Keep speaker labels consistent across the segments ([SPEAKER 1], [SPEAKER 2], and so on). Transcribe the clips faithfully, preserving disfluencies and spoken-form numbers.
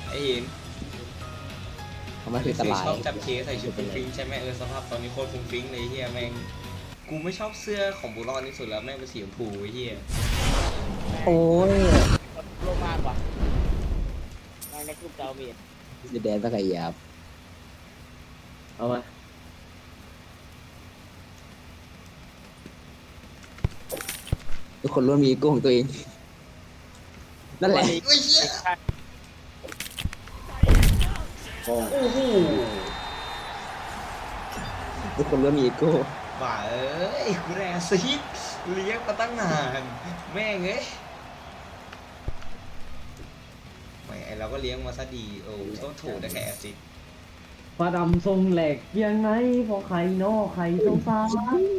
[SPEAKER 1] ไอ้เห็น
[SPEAKER 2] ทำไมคือตลาย
[SPEAKER 1] ชอบจับเคสใส่ชุดฟุ้งฟิ้งใช่ไหมเออสภาพตอนนี้โคตรฟุ้งฟิ้งเลยเฮียแม่งกูไม่ชอบเสื้อของบุรอนที่สุดแล้วแม่งเป็นสีชมพูเฮีย
[SPEAKER 2] โอ้ย
[SPEAKER 3] โลมากกว่าในในกลุ่มเจ้าเมีย
[SPEAKER 2] จะแดนสักไงยับเอามาทุกคนล้วนมีอีโก้ของตัวเองนั่นแหละ
[SPEAKER 1] เฮ้ยเฮียโอ้โห
[SPEAKER 2] ทุกคนล้วนมีอีโก้
[SPEAKER 1] บ้าเอ้ยกูแรงซีดเลี้ยงมาตั้งนานแม่งเอ้ยไม่ไอเราก็เลี้ยงมาซะดีโอ้โทษถูกแต่แค่แอซิด
[SPEAKER 4] ปลาดำทรงแหลกยังไงพอไข่นอไข่ทรงฟ้า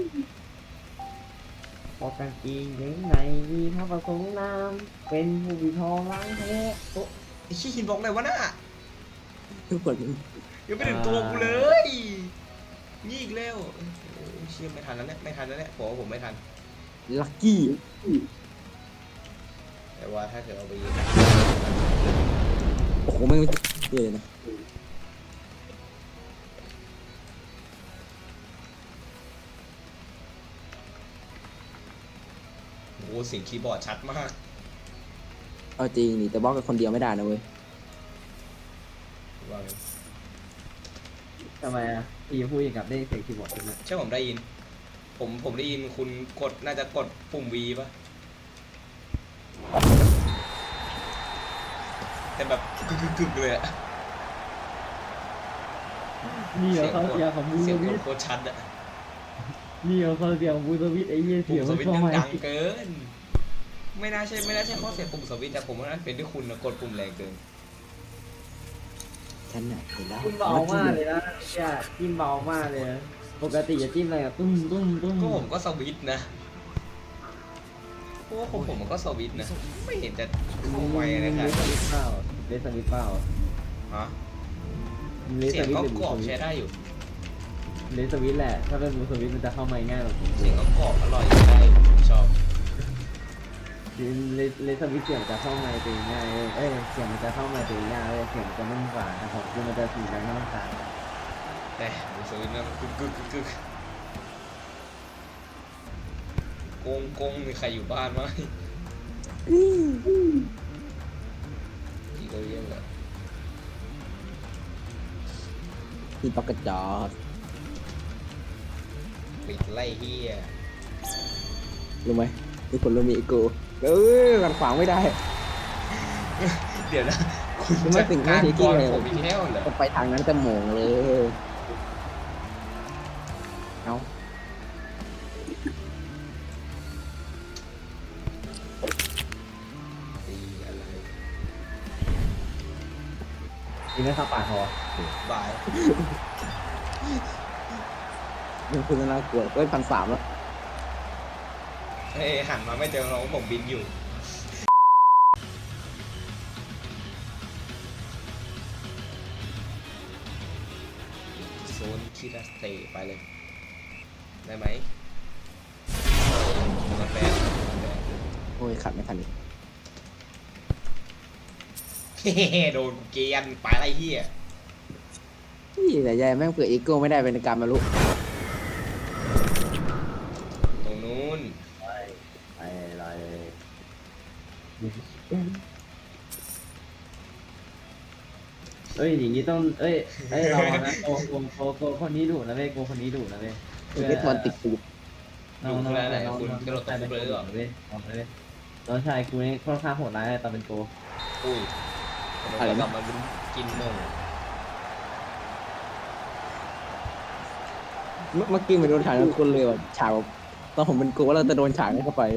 [SPEAKER 4] พอกางเกงยังไงมีพระประสงค์น้ำเป็นผู้วิทองล้างแท้โต๊ะ
[SPEAKER 1] ไอ้ขี้หินบล็อกเลยวะน่ะ
[SPEAKER 2] ทุกคน
[SPEAKER 1] ยังไม่ถึงตัวกูเลยนี่อีกแล้วโอ้เชี่ยไม่ทันแล้วเนี่ยไม่ทันแล้วเนี่ยผมว่าผมไม่ทัน
[SPEAKER 2] ลัคกี้
[SPEAKER 1] แต่ว่าถ้าเกิดเอาไปยิง
[SPEAKER 2] โอ้โหไม่เยอะเลยนะ
[SPEAKER 1] โอ้เสียงคีย์บอร์ดชัดมาก
[SPEAKER 2] เอาจริงนี่แต่บล็อกกับคนเดียวไม่ได้นะเว้ย
[SPEAKER 1] ว่าไง
[SPEAKER 4] ทำไมอ่ะพี่พูดอย่างกับได้เสียงคีย์บอร์ดใช่ไหม
[SPEAKER 1] ใช่ผมได้ยิน ผมผมได้ยินคุณกดน่าจะกดปุ่ม V ป่ะแต่แบบกึกกึกกึกเลยอะ
[SPEAKER 4] นี่เหร
[SPEAKER 1] เสี
[SPEAKER 4] อย
[SPEAKER 1] ง
[SPEAKER 4] เขา
[SPEAKER 1] กด
[SPEAKER 4] เสียงของบู
[SPEAKER 1] เสี
[SPEAKER 4] ส
[SPEAKER 1] ยงก
[SPEAKER 4] วิ
[SPEAKER 1] ด
[SPEAKER 4] ต
[SPEAKER 1] โคตรชัดอะ
[SPEAKER 4] นี่เหรอเขาเสียงของบูสวิตไอ้เหี้ย
[SPEAKER 1] ปุ่
[SPEAKER 4] เสีย
[SPEAKER 1] ม
[SPEAKER 4] ง
[SPEAKER 1] ส
[SPEAKER 4] มัน
[SPEAKER 1] วิตช์
[SPEAKER 4] ช่
[SPEAKER 1] ยัง
[SPEAKER 4] อย
[SPEAKER 1] ดังเกิน ไม่น่าใช่ไม่น่าใช่ข้อเสียปุ่มสวิตช์แต่ผมว่าน่าเป็นด้วยคุณนะกดปุ่มแรงเกิน
[SPEAKER 2] ฉันน่ะเห็นแล้ว
[SPEAKER 4] จิ้มเบามากเลยนะเนี่ยจิ้มเบามากเลยนะปกติจะจิ้มอะไรอะตุ้มตุ้มตุ้ม
[SPEAKER 1] ก็ผมก็สวิตช์นะเพราะว่าผมผมมันก็สวิตช์นะ ไม่เห็นจะเข้าไวอะไรขนาด
[SPEAKER 4] เลส
[SPEAKER 1] นั้น
[SPEAKER 4] วิตเปล่าเลสวิตเปล่า
[SPEAKER 1] ฮะ
[SPEAKER 4] เลส
[SPEAKER 1] เสียง
[SPEAKER 4] วิต
[SPEAKER 1] ก็
[SPEAKER 4] หรือก
[SPEAKER 1] รอบ
[SPEAKER 4] บูสวิ
[SPEAKER 1] ใช้
[SPEAKER 4] ต
[SPEAKER 1] ได้อยู่
[SPEAKER 4] เลสวิตแหละถ้าเป็นบูสวิตมันจะเข้ามาง่ายกว่า
[SPEAKER 1] เสียงก็กรอบอร่อยได้ชอบ
[SPEAKER 4] เลสเลสวิตเสียงจะเข้ามาตัวง่ายเอ้ยเสียงมันจะเข้ามาตัวง่ายเลยเสียงจะนุ่มกว่านะครับคือมันจะสีดังน้ำตาล
[SPEAKER 1] แต่ดูสวิตช์นะมันกึกกึกกึกกึกกงกงมีใครอยู่บ้านไหมอีกเรื่องเลย
[SPEAKER 2] มีปากกระจอก
[SPEAKER 1] ปิดไล่เฮีย
[SPEAKER 2] รู้ไหมทุกคนล้วนมีอีโก้เออกันขวางไม่ได้
[SPEAKER 1] เดี๋ยวนะคุณ
[SPEAKER 2] ไม่
[SPEAKER 1] จัด
[SPEAKER 2] ถึง
[SPEAKER 1] การ
[SPEAKER 2] ไม่ถึง
[SPEAKER 1] ก่อน
[SPEAKER 2] เลย
[SPEAKER 1] ผมอีกแล้วเหรอ
[SPEAKER 2] จะไปทางนั้นจะโหมงเลยเอา
[SPEAKER 1] ตีอะไร
[SPEAKER 4] นี่ไม่เข้าปากคอบ
[SPEAKER 1] าย
[SPEAKER 2] มันคือน่ากลัวเว้ยพันสามแล้ว
[SPEAKER 1] เฮ้ยหันมาไม่เจอน้องผมบินอยู่โซนคิราสเตไปเลย ได้ไหมมาแปลมาแปล
[SPEAKER 2] โอ้ยขัดไม่ทันอีก
[SPEAKER 1] เฮ้โดนกูเกียนไปไรเฮีย
[SPEAKER 2] นี่แต่ยายแม่งเผื่ออีโก้ไม่ได้เป็นการมาลุ
[SPEAKER 1] ตรงนู้น
[SPEAKER 4] ไปไปเลยเอ้ยอย่างนี้ต้องเอ้ยเอ้ยเรานะโกโกโกโกคนนี้ดุนะเว้ยโกคนนี้ดุนะเว้ย
[SPEAKER 2] เอเวทบอลติดตูด
[SPEAKER 1] ดูขนาดไหนคุณกระโดดตกเลยหรอ
[SPEAKER 4] เว้ยน้องชายกูนี่ค่อนข้างโหดร้ายตอนเป็นโก
[SPEAKER 1] อุ้ยเรากลับมากินโมง
[SPEAKER 2] เมื่อเมื่อกี้มันโดนฉากนั้นคนเลยว่ะฉากแบบตอนผมเป็นโก้แล้วจะโดนฉากนั้นเข้าไป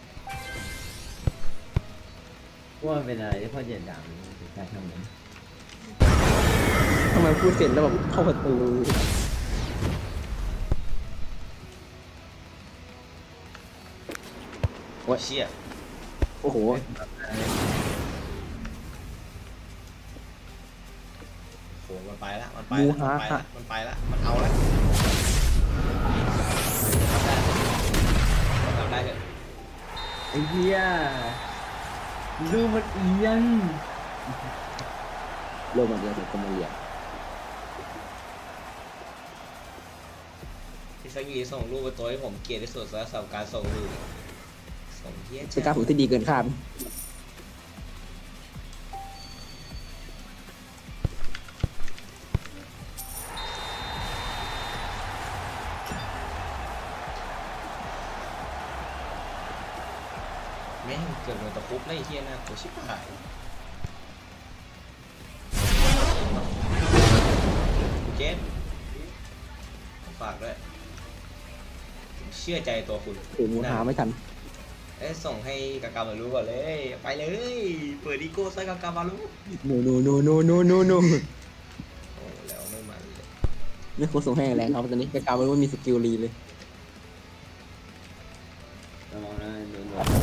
[SPEAKER 4] ว่าเป็นอะไรที่พ่อเหยียดหยามใช่ทำไม
[SPEAKER 2] ทำไมพูดเสร็จแล้วแบบเข้าประตู
[SPEAKER 1] โอ้เชี่ย
[SPEAKER 2] โอ้โห
[SPEAKER 1] โหมันไปละมันไปละมันไปละมันไปละมันเอาละทำได้เถอะ
[SPEAKER 4] ไอ้เหี้ยดูมันเอียง
[SPEAKER 2] โลกมันเดียวถึงคนมาเรียน
[SPEAKER 1] ที่สักยีส่งรูปไปตัวให้ผมเกลียดที่สุดสำหรับการส่งรูปส่งเฮี้ย
[SPEAKER 2] เป็นการฝึกที่ดีเกินคาด
[SPEAKER 1] แม่งเกิดโดนตะคุบเลยไอ้เฮี้ยน่ากลัวชิบหายเจนฝากด้วยผมเชื่อใจตัวคุณ
[SPEAKER 2] ถือมูหาไม่ทัน
[SPEAKER 1] เอ้ยส่งให้กากามารู้ก่อนเลย ไปเลย เปิดอีโก้ใส่กากามารู้
[SPEAKER 2] โนโนโนโนโนโนโน
[SPEAKER 1] โอ้แล้วไม่มันเลย
[SPEAKER 2] ไม่ควรส่งให้แรงครับตอนนี้กากาไม่ว่ามีสกิลรีเลย
[SPEAKER 4] ระวังนะโดนโดน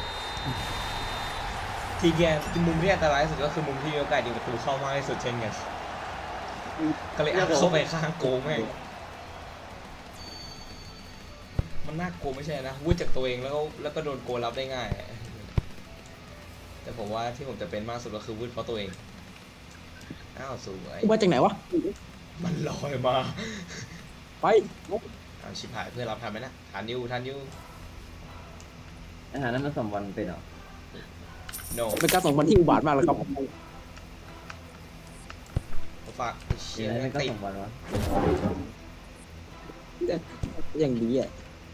[SPEAKER 1] ทีแกที่มุมที่อันตรายที่สุดก็คือมุมที่มีโอกาสยิงประตูเข้ามากที่สุดเช่นกันก็เลยอัพเข้าไปข้างโกงแม่งมันน่ากลัวไม่ใช่นะวุ้ยจากตัวเองแล้วก็แล้วก็โดนโกรับได้ง่าย แต่ผมว่าที่ผมจะเป็นมากสุดก็คือวุ้ยเพราะตัวเองอ้าวสวย
[SPEAKER 2] มาจากไหนวะ
[SPEAKER 1] มันลอยมา
[SPEAKER 2] ไป
[SPEAKER 1] อ้าวชิบหายเพื่อนเราทันไหมนะทันอยูทันอยู
[SPEAKER 4] อาหารนั้นมันสมวันเป็นเหรอ
[SPEAKER 1] โน
[SPEAKER 2] เป็นการส่งบอลที่อุบาทมากเลยครับ
[SPEAKER 1] ฝากไอ้เชี่
[SPEAKER 4] เดี๋ย
[SPEAKER 1] ยว
[SPEAKER 4] นั้นมันก็
[SPEAKER 1] ติด
[SPEAKER 4] สมวันวะ
[SPEAKER 2] อย่างดีอ่ะ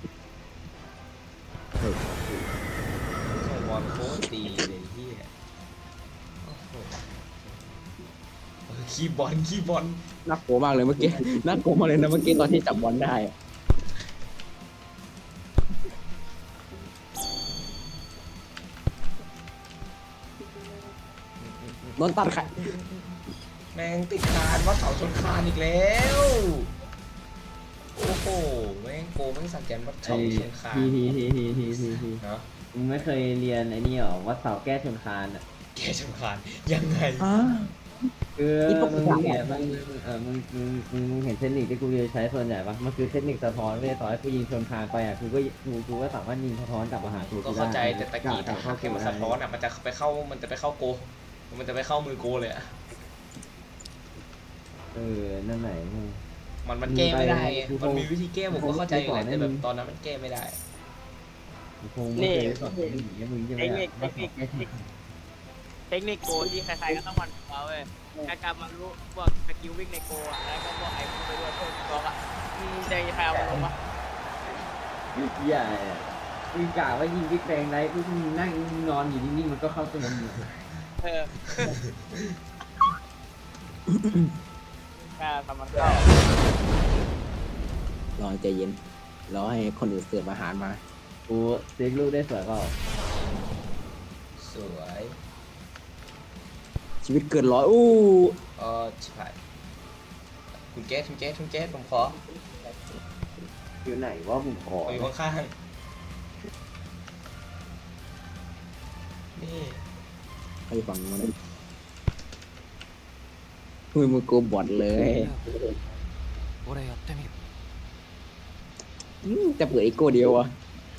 [SPEAKER 1] ส่งบอลโคตรดีเลยเฮียโอ้โหเออคีย์บอลคีย์บอล
[SPEAKER 2] น่ากลัวมากเลยเมื่อกี้ น่ากลัวมากเลยนะเมื่อกี้ตอนที่จับบอลได้อะโดนตัดขา
[SPEAKER 1] แม่งติดคานวัดเสาชนคานอีกแล้วโอ้โหแม่งโกแม่งสังแกนวัด
[SPEAKER 4] ไอ้
[SPEAKER 1] เสาชนคาน
[SPEAKER 4] ทีทีทีทีทีทีที
[SPEAKER 1] เนาะ
[SPEAKER 4] มึงไม่เคยเรียนไอ้นี่หรอวัดเสาแก้ชนคานอ่ะ
[SPEAKER 1] แกชนคานยังไง
[SPEAKER 2] อ่า
[SPEAKER 4] คือ
[SPEAKER 2] นี่ปก
[SPEAKER 4] มึ
[SPEAKER 2] ติ
[SPEAKER 4] งเนี่ยมึงเออมึงมึงมึงมึงเห็นเทคนิคที่กูจะใช้ส่วนใหญ่ปะมันคือเทคนิคสะท้อนเว้ยต่อให้กูยิงชนคานไปอ่ะกูก็กูกูก็สามารถยิงสะท้อนกลับมาหากู
[SPEAKER 1] ก็
[SPEAKER 4] ได้
[SPEAKER 1] เข้าใจแต่ตะกี้
[SPEAKER 4] ก
[SPEAKER 1] ถ้า
[SPEAKER 4] ลับ
[SPEAKER 1] หาก
[SPEAKER 4] เข้า
[SPEAKER 1] เข็มมันสะท้อนอ่ะมันจะไปเข้ามันจะไปเข้าโก มันจะไปเข้ามือโกเลยอ่ะ
[SPEAKER 4] เออนั่นไหนมึง
[SPEAKER 1] มันมันแก้ไม่ได้ไง
[SPEAKER 4] กูคง
[SPEAKER 1] มันมีวิธีแก้ผมก็เข้าใจอยู่แหละ
[SPEAKER 4] กูคง
[SPEAKER 1] แต่แบบตอนนั้นมันแก้ไม่ได้
[SPEAKER 4] กูคงไม่เคยสอนเทคนิคอย่างเงี้ยมึงจะไม่อยากวัดเสาแก้ชนคาน
[SPEAKER 3] เทคนิคโกที่ใครๆก็ต้องมันเอาเว้ยการการมารู้พวกสกิลวิ่งในโกอะแล้วก็พวกไอ้พวกไปด้วยพวกตัวอะอืมจะใครเอามาลงวะ
[SPEAKER 4] ใหญ่อะมึงกะว่ายิงบิ๊กแบงไรกูมึงนั่งนอนอยู่นิ่งๆมันก็เข้าตัวมึงอยู่
[SPEAKER 3] เออแค่ทำมันเข้าร
[SPEAKER 2] อใจเย็น รอให้คนอื่นเสิร์ฟอาหารมา
[SPEAKER 4] กูเซ็กลูกได้สวยเปล่า
[SPEAKER 1] สวย
[SPEAKER 2] ชีวิตเกินร้อยอู้
[SPEAKER 1] เออใช่คุณแก๊สคุณแก๊สคุณแก๊สผมขอ
[SPEAKER 4] อยู่ไหนว่ามึงขอ
[SPEAKER 1] ผมอยู่ข้างๆนี่
[SPEAKER 2] ใครฟังมันมือมือกูบอดเลยอืมจะเปิดอีโก้เดียวอ่ะ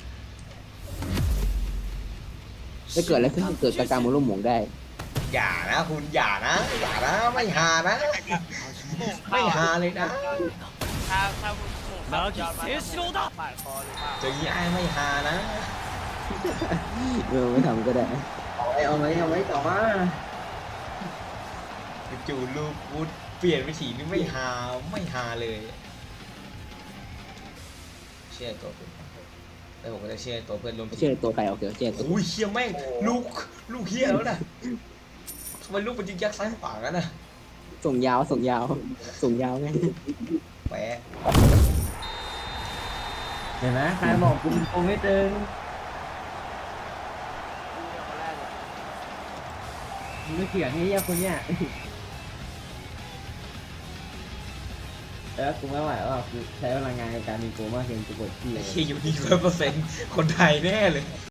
[SPEAKER 2] ถ้าเกิดอะไรขึ้นเกิดกากามาร่วมหมงได้
[SPEAKER 1] อย่านะคุณอย่านะอย่านะไม่หานะ ไม่หาเลยนะ
[SPEAKER 3] ถ้าถ้าคุณหมูขับยอดมาปาดคอหรือเปล่า
[SPEAKER 1] เจอยี่ไอ้ไม่หานะ
[SPEAKER 2] เออไม่ทำก็ได้
[SPEAKER 4] เอาไหมเอาไหมเอาไหมต่อมา
[SPEAKER 1] จู่ๆลูกวุฒเปลี่ยนวิถีนี่ไม่หาไม่หาเลย เชื่อตัวคุณแล้วผมก็จะเชื่อตัวเพื่อนร่วมที
[SPEAKER 2] เชื่อ
[SPEAKER 1] ม
[SPEAKER 2] ตัวใครเอาเถอะเชื่อตัว
[SPEAKER 1] โอ้ยเชี่ยแม่งลูกลูกเฮียแล้วนะทำไมลูกมันยิงยักซ้ายขวากันนะ
[SPEAKER 2] ส่งยาวส่งยาวส่งยาวไง
[SPEAKER 1] แปะ
[SPEAKER 4] เห็นไหมใครบอกกูกูไม่ตึง
[SPEAKER 3] คนแรกเลย
[SPEAKER 4] มึงไม่เถียงไอ้เหี้ยคนเนี้ยเออกูไม่ไหวแล้วอะกูใช้พลังงานในการมีโกมากเกินกูปวดขี้เลย
[SPEAKER 1] ไอ้เฮียอยู่นี่ร้อยเปอร์เซ็นต์คนไทยแน่เลย